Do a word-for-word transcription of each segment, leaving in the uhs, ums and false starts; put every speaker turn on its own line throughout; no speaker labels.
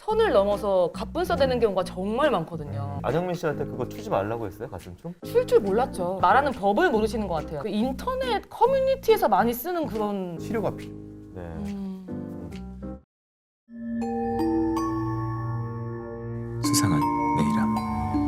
선을 넘어서 갑분싸되는 경우가 정말 많거든요.
안영민 씨한테 그거 추지 말라고 했어요? 가슴춤?
출 줄 몰랐죠. 말하는 법을 모르시는 것 같아요. 그 인터넷 커뮤니티에서 많이 쓰는 그런
치료가 필요.
네.
음...
수상한 내일함.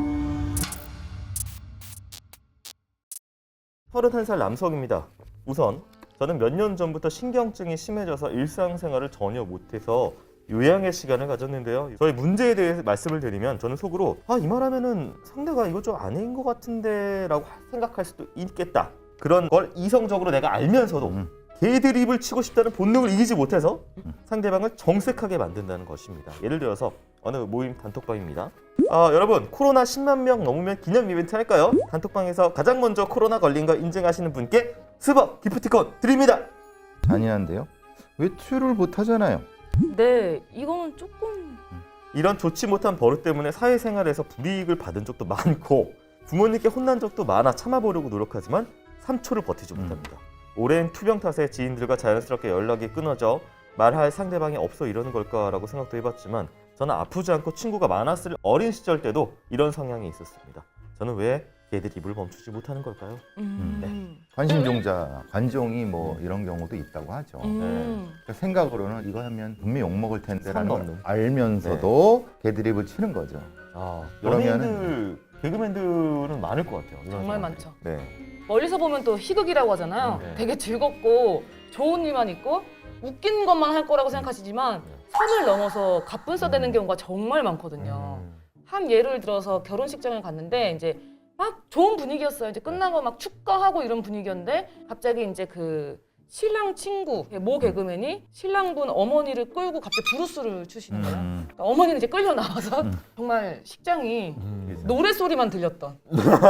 서른한 살 남성입니다. 우선 저는 몇 년 전부터 신경증이 심해져서 일상생활을 전혀 못해서 요양의 시간을 가졌는데요. 저의 문제에 대해 말씀을 드리면 저는 속으로 아, 이 말하면은 상대가 이거 좀 아닌 것 같은데 라고 생각할 수도 있겠다. 그런 걸 이성적으로 내가 알면서도
음.
개드립을 치고 싶다는 본능을 이기지 못해서 상대방을 정색하게 만든다는 것입니다. 예를 들어서 어느 모임 단톡방입니다. 아, 여러분 코로나 십만 명 넘으면 기념 이벤트 할까요? 단톡방에서 가장 먼저 코로나 걸린 거 인증하시는 분께 스벅 기프티콘 드립니다.
잔인한데요? 외출을 못 하잖아요.
네, 이거는 조금
이런 좋지 못한 버릇 때문에 사회생활에서 불이익을 받은 적도 많고 부모님께 혼난 적도 많아 참아보려고 노력하지만 삼 초를 버티지
음.
못합니다. 오랜 투병 탓에 지인들과 자연스럽게 연락이 끊어져 말할 상대방이 없어 이러는 걸까라고 생각도 해봤지만 저는 아프지 않고 친구가 많았을 어린 시절 때도 이런 성향이 있었습니다. 저는 왜 개드립을 멈추지 못하는 걸까요?
음...
네.
관심종자, 관종이 뭐 이런 경우도 있다고 하죠.
음...
그러니까 생각으로는 이거 하면 분명히 욕먹을 텐데라는 걸
상관없는.
알면서도 개드립을 치는 거죠.
아,
그러면은-
연예인들, 개그맨들은 많을 것 같아요. 이런
정말
사람들.
많죠.
네.
멀리서 보면 또 희극이라고 하잖아요.
네.
되게 즐겁고 좋은 일만 있고 웃긴 것만 할 거라고 생각하시지만
네.
선을 넘어서 갑분싸되는 경우가 정말 많거든요.
음.
한 예를 들어서 결혼식장을 갔는데 이제 막 좋은 분위기였어요. 이제 끝나고 막 축가하고 이런 분위기였는데 갑자기 이제 그 신랑 친구 모 개그맨이 신랑분 어머니를 끌고 갑자기 브루스를 추시는 거예요.
음.
그러니까 어머니는 이제 끌려 나와서
음.
정말 식장이
음.
노래 소리만 들렸던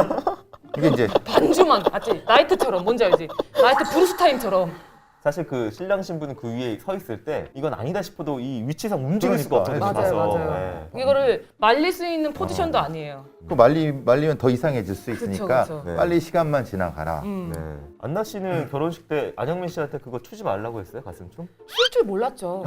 이게 이제
반주만 맞지? 나이트처럼 뭔지 알지? 나이트 브루스 타임처럼.
사실 그 신랑 신부는 그 위에 서 있을 때 이건 아니다 싶어도 이 위치상 움직일 수가
그러니까.
없잖아요.
맞아요,
가서.
맞아요.
네.
이거를 말릴 수 있는 포지션도 아니에요.
그 말리 말리면 더 이상해질 수
그쵸,
있으니까
그쵸.
네.
빨리 시간만 지나가라.
음.
네. 안나 씨는 결혼식 때 안영민 씨한테 그거 추지 말라고 했어요? 가슴춤?
출 줄 몰랐죠.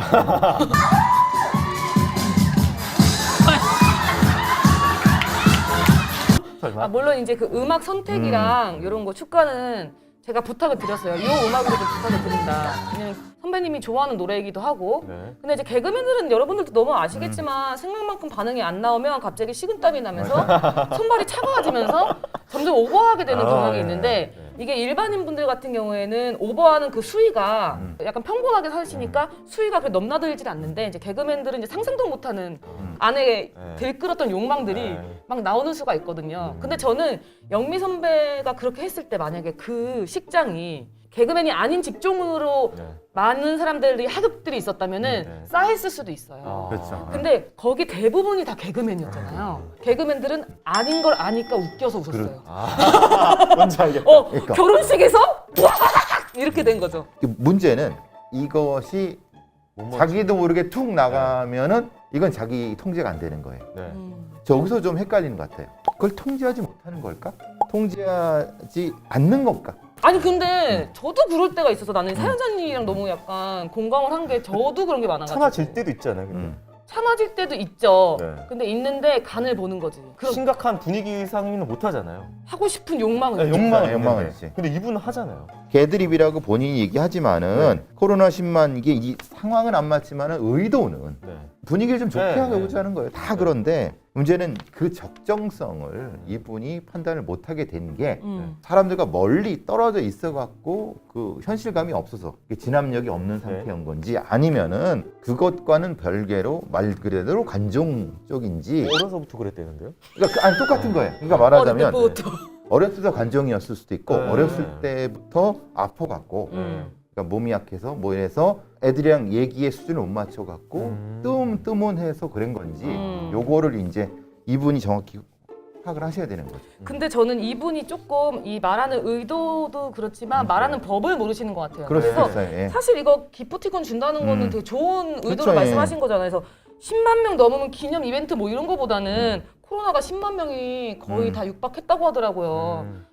설마?
아, 물론 이제 그 음악 선택이랑 이런 거 축가는 제가 부탁을 드렸어요. 이 음악으로 좀 부탁을 드린다. 왜냐면 선배님이 좋아하는 노래이기도 하고.
네.
근데 이제 개그맨들은 여러분들도 너무 아시겠지만 생각만큼 반응이 안 나오면 갑자기 식은땀이 나면서 손발이 차가워지면서 점점 오버하게 되는
아,
경향이
네.
있는데
네.
이게 일반인 분들 같은 경우에는 오버하는 그 수위가
음.
약간 평범하게 사시니까 수위가 그렇게 넘나들질 않는데 이제 개그맨들은 이제 상상도 못하는
음.
안에
네.
들끓었던 욕망들이
네.
막 나오는 수가 있거든요.
음.
근데 저는 영미 선배가 그렇게 했을 때 만약에 그 식장이 개그맨이 아닌 직종으로
네.
많은 사람들이 하급들이 있었다면은
네.
쌓였을 수도 있어요.
아.
그렇죠.
근데 거기 대부분이 다 개그맨이었잖아요. 개그맨들은 아닌 걸 아니까 웃겨서 웃었어요.
아, 뭔지 알겠다.
어,
그러니까.
결혼식에서 이렇게 된 거죠.
그 문제는 이것이
못 맞추-
자기도 모르게 툭 나가면은 이건 자기 통제가 안 되는 거예요.
네.
음.
저기서 좀 헷갈리는 것 같아요. 그걸 통제하지 못하는 걸까? 통제하지 않는 걸까?
아니 근데 저도 그럴 때가 있어서 나는 사연자님이랑 너무 약간 공감을 한 게 저도 그런 게 많아가지고
참아질 때도 있잖아요. 근데.
음.
참아질 때도 있죠.
네.
근데 있는데 간을 보는 거지. 그럼
심각한 분위기 상의는 못 하잖아요.
하고 싶은 욕망은
네,
있죠.
욕망은
욕망은
있는데.
있지.
근데 이분은 하잖아요.
개드립이라고 본인이 얘기하지만은
네.
코로나 십만 이게 이 상황은 안 맞지만은 의도는
네.
분위기를 좀 좋게
네,
하고자
네.
하는 거예요. 다
네.
그런데 문제는 그 적정성을 이분이 판단을 못하게 된 게
음.
사람들과 멀리 떨어져 있어 갖고 그 현실감이 없어서 이게 진압력이 없는
네.
상태인 건지 아니면은 그것과는 별개로 말 그대로 관종 쪽인지
어려서부터 그랬대는데요.
그러니까 그- 아니 똑같은 거예요. 그러니까
어릴
말하자면
때부터.
어렸을 때 관종이었을 수도 있고
네.
어렸을 때부터 아파갖고
음.
그러니까 몸이 약해서 뭐 이래서 애들이랑 얘기의 수준을 못 맞춰갖고
음.
뜸 뜸은해서 그런 건지
음.
요거를 이제 이분이 정확히 파악을 하셔야 되는 거죠.
근데 저는 이분이 조금 이 말하는 의도도 그렇지만
음,
말하는 법을 모르시는 것 같아요.
그럴 수
그래서
있어요. 예.
사실 이거 기프티콘 준다는 거는
음.
되게 좋은 의도로
그쵸, 예.
말씀하신 거잖아요. 그래서 십만 명 넘으면 기념 이벤트 뭐 이런 거보다는 코로나가 십만 명이 거의
음.
다 육박했다고 하더라고요.
음.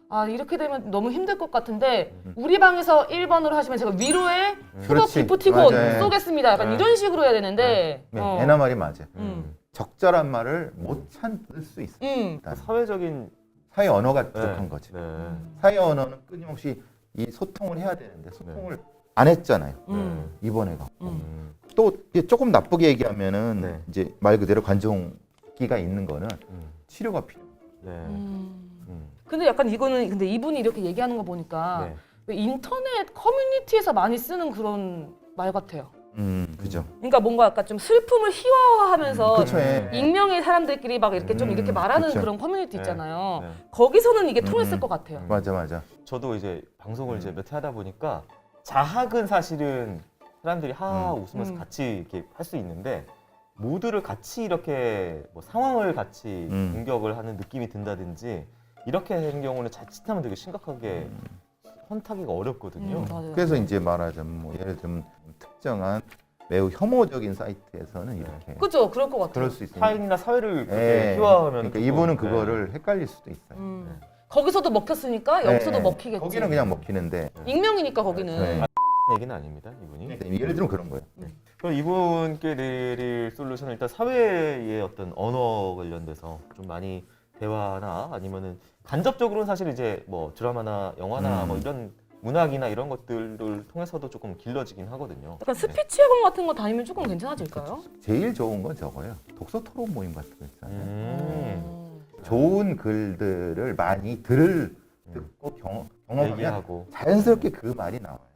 아 이렇게 되면 너무 힘들 것 같은데
음.
우리 방에서 일 번으로 하시면 제가 위로에 후덕
그렇지.
기프티콘
맞아요.
쏘겠습니다. 약간
네.
이런 식으로 해야 되는데
네,
어.
애나 말이 맞아.
음.
적절한 말을 못 찾을 수 있어.
음.
일단
사회적인
사회 언어가 부족한
네.
거지.
네.
사회 언어는 끊임없이 이 소통을 해야 되는데 소통을 안 했잖아요.
음.
이번에 갖고.
음.
음.
또 이게 조금 나쁘게 얘기하면은
네.
이제 말 그대로 관종기가 있는 거는
음.
치료가 필요.
네.
음.
음.
근데 약간 이거는 근데 이분이 이렇게 얘기하는 거 보니까
네.
왜 인터넷 커뮤니티에서 많이 쓰는 그런 말 같아요.
음, 그죠.
그러니까 뭔가 약간 좀 슬픔을 희화화하면서
그쵸, 예.
익명의 사람들끼리 막 이렇게 좀
음,
이렇게 말하는
그쵸.
그런 커뮤니티
네.
있잖아요.
네.
거기서는 이게 통했을
음.
것 같아요.
맞아, 맞아.
저도 이제 방송을
음.
이제 몇 회 하다 보니까 자학은 사실은 사람들이 하하
음.
웃으면서
음.
같이 이렇게 할 수 있는데 모두를 같이 이렇게 뭐 상황을 같이
음.
공격을 하는 느낌이 든다든지 이렇게 하는 경우는 자칫하면 되게 심각하게 혼타기가 어렵거든요.
음, 맞아요.
그래서 이제 말하자면 뭐 예를 들면 특정한 매우 혐오적인 사이트에서는 이렇게
그죠? 그럴 것 같아요.
그럴 수 있어요.
타인이나 사회를 그렇게
예.
희화하면
그러니까
또-
이분은
네.
그거를 헷갈릴 수도 있어요.
음. 거기서도 먹혔으니까 여기서도
예.
먹히겠지.
거기는 그냥 먹히는데
익명이니까 거기는.
네.
얘기는 아닙니다, 이분이.
예를 들면 그런 거예요.
그럼 이분께 내릴 솔루션은 일단 사회의 어떤 언어 관련돼서 좀 많이 대화나 아니면은 간접적으로는 사실 이제 뭐 드라마나 영화나
음.
뭐 이런 문학이나 이런 것들을 통해서도 조금 길러지긴 하거든요.
약간
네.
스피치 학원 같은 거 다니면 조금 괜찮아질까요?
제일 좋은 건 저거예요. 독서 토론 모임 같은 거 있잖아요.
음.
음.
좋은 글들을 많이 들을 듣고 경험, 경험하면
얘기하고
자연스럽게 그 말이 나와요.